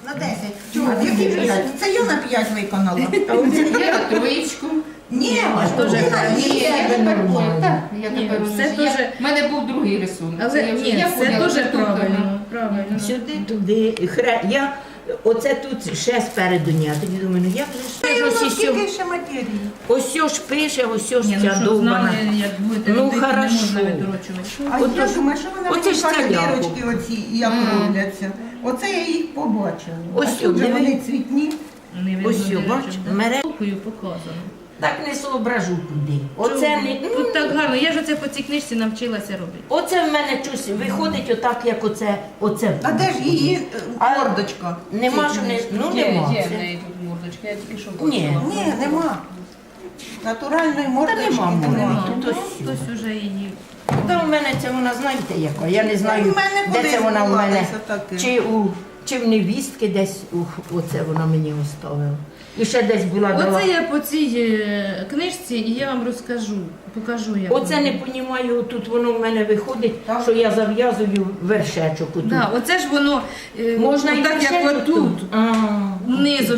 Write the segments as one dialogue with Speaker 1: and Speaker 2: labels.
Speaker 1: На 10. Чого? Які 5? Це я на 5 виконала.
Speaker 2: Я на троєчку.
Speaker 1: Ні,
Speaker 3: теж
Speaker 1: ти на
Speaker 2: Ні,
Speaker 1: 10.
Speaker 2: я тепер поняла. Так, я
Speaker 3: Ні,
Speaker 2: тепер
Speaker 3: це
Speaker 2: розумію.
Speaker 3: теж-
Speaker 2: В мене був другий рисунок.
Speaker 3: Але
Speaker 2: я вже-
Speaker 3: ні,
Speaker 2: я
Speaker 3: це
Speaker 2: поняла,
Speaker 3: дуже
Speaker 2: що тут,
Speaker 3: правильно. Правильно.
Speaker 4: Сюди, туди. Я оце тут ще спереду ні. А тоді думаю, ну як же ж
Speaker 1: Та
Speaker 4: це
Speaker 1: й
Speaker 4: ж
Speaker 1: воно
Speaker 4: ось
Speaker 1: скільки ще матерії.
Speaker 4: ось ж пише, ось ж
Speaker 3: Ні,
Speaker 4: ця
Speaker 3: щоб
Speaker 4: довбана.
Speaker 3: знали, як будете
Speaker 4: Ну,
Speaker 3: робити, не
Speaker 4: хорошо.
Speaker 3: можна відрочувати.
Speaker 1: А
Speaker 4: От
Speaker 1: я
Speaker 4: ж-
Speaker 1: думаю, що вона
Speaker 4: оце
Speaker 1: мені
Speaker 4: ж ця
Speaker 1: каже,
Speaker 4: ляпу.
Speaker 1: дірочки оці, як робляться. Оце я їх побачила.
Speaker 4: Ось
Speaker 1: А тут же
Speaker 4: сюди.
Speaker 1: вони цвітні.
Speaker 3: Не видно,
Speaker 4: Ось
Speaker 3: де
Speaker 4: бач,
Speaker 3: речі.
Speaker 4: мере.
Speaker 3: Толкою показано.
Speaker 4: Так не соображу куди. Оце не.
Speaker 3: Тут так гарно. Я ж оце по цій книжці навчилася робити.
Speaker 4: Оце в мене щось виходить отак, як оце.
Speaker 1: А де ж її
Speaker 4: А
Speaker 1: мордочка?
Speaker 4: Нема ж не. Ну нема.
Speaker 2: Є в
Speaker 4: Це-
Speaker 2: неї тут мордочка, я тільки що
Speaker 4: Ні.
Speaker 2: бачила.
Speaker 1: Ні, нема. Натуральної мордочки
Speaker 4: нема морди.
Speaker 1: нема.
Speaker 4: Тут
Speaker 3: Ну,
Speaker 4: ось
Speaker 3: хтось уже її.
Speaker 4: Та у мене це вона, знаєте, яка? Я не знаю,
Speaker 1: У мене
Speaker 4: де
Speaker 1: кудись
Speaker 4: це вона у мене.
Speaker 1: ховалося таке.
Speaker 4: Чи в невістки десь оце вона мені оставила. І ще десь була дала.
Speaker 3: Оце я по цій книжці і я вам розкажу, покажу як.
Speaker 4: Оце
Speaker 3: воно.
Speaker 4: не понімаю, тут воно в мене виходить,
Speaker 1: Так.
Speaker 4: що я зав'язую вершечок отут.
Speaker 3: Да, оце ж воно
Speaker 4: Можна і
Speaker 3: так, як
Speaker 4: вершечок
Speaker 3: отут,
Speaker 4: А.
Speaker 3: низом.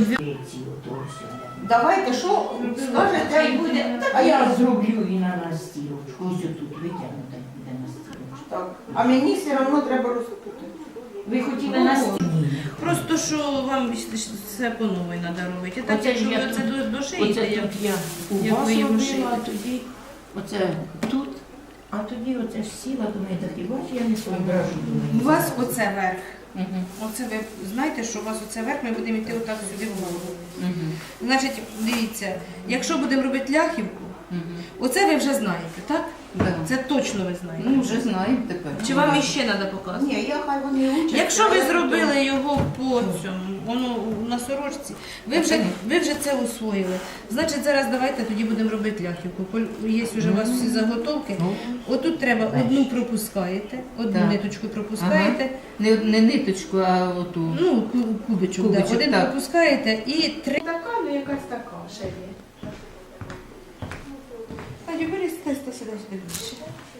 Speaker 1: Давайте, що скажете, і буде.
Speaker 4: А я зроблю і на настілочку. Ось тут витягнути буде настілочку.
Speaker 1: Так. А мені все одно треба розпутати.
Speaker 4: Ви хотіли настілочку?
Speaker 3: Просто що вам все по новій треба робити. Так,
Speaker 4: Оце
Speaker 3: якщо
Speaker 4: ж
Speaker 3: ви
Speaker 4: я
Speaker 3: оце
Speaker 4: тут-
Speaker 3: дошиєте,
Speaker 4: Оце
Speaker 3: як
Speaker 4: тут я у
Speaker 3: як
Speaker 4: вас
Speaker 3: ви його
Speaker 4: робила,
Speaker 3: шиєте.
Speaker 4: а тоді оце тут, а тоді оце ж сіла, думаю, так і бачу, я не соображу.
Speaker 3: у вас оце верх.
Speaker 2: Мгм.
Speaker 3: Оце ви знаєте, що у вас оце верх, ми будемо йти отак сюди вгору.
Speaker 2: Мгм.
Speaker 3: Значить, дивіться, якщо будемо робити ляхівку,
Speaker 2: Мгм.
Speaker 3: оце ви вже знаєте, так?
Speaker 2: Да.
Speaker 3: Це точно ви знаєте.
Speaker 2: Ну, вже знаємо тепер.
Speaker 3: Чи вам іще треба показувати?
Speaker 1: Ні, я хай вони учать.
Speaker 3: Якщо ви зробили його по цьому, воно на сорочці, ви вже це усвоїли. Значить, зараз давайте тоді будемо робити ляхівку. Є вже у вас всі заготовки. Отут треба одну пропускаєте, одну
Speaker 2: Так.
Speaker 3: ниточку пропускаєте,
Speaker 2: Не ниточку, а оту.
Speaker 3: ну кубичок, да.
Speaker 2: Кубичок,
Speaker 3: Один
Speaker 2: так.
Speaker 3: пропускаєте і три.
Speaker 5: Така, ну якась така ще є.
Speaker 3: Надю, бери сюди сюди більше.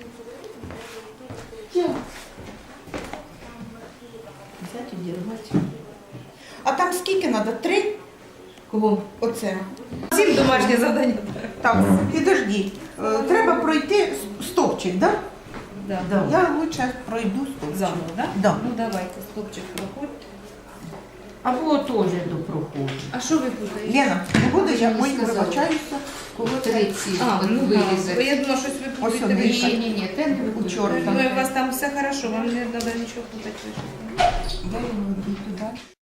Speaker 4: Взяти, дірвати.
Speaker 1: А там скільки треба? 3?
Speaker 3: Кого?
Speaker 1: Оце.
Speaker 3: Всім домашнє завдання.
Speaker 1: Так, підожди. Треба пройти стовпчик, так?
Speaker 3: Да.
Speaker 4: Да.
Speaker 1: Я лучше пройду стовпчик.
Speaker 3: Заново, так?
Speaker 1: Да.
Speaker 3: Ну давайте, стопчик проходьте.
Speaker 4: Або теж до проходу.
Speaker 3: А що ви путаєте?
Speaker 1: Лена, не буду я,
Speaker 2: не
Speaker 1: ой,
Speaker 2: сказала.
Speaker 1: вибачаюся. Коли це?
Speaker 2: Три ці
Speaker 3: А, ну бо
Speaker 2: вирізати.
Speaker 3: я думала, щось ви
Speaker 1: Ось
Speaker 3: путаєте.
Speaker 1: вони.
Speaker 3: Ви-
Speaker 2: Ні, те не
Speaker 1: У чорта.
Speaker 3: Ну, у вас там все хорошо, вам не треба нічого путати.
Speaker 1: Я його йду туди.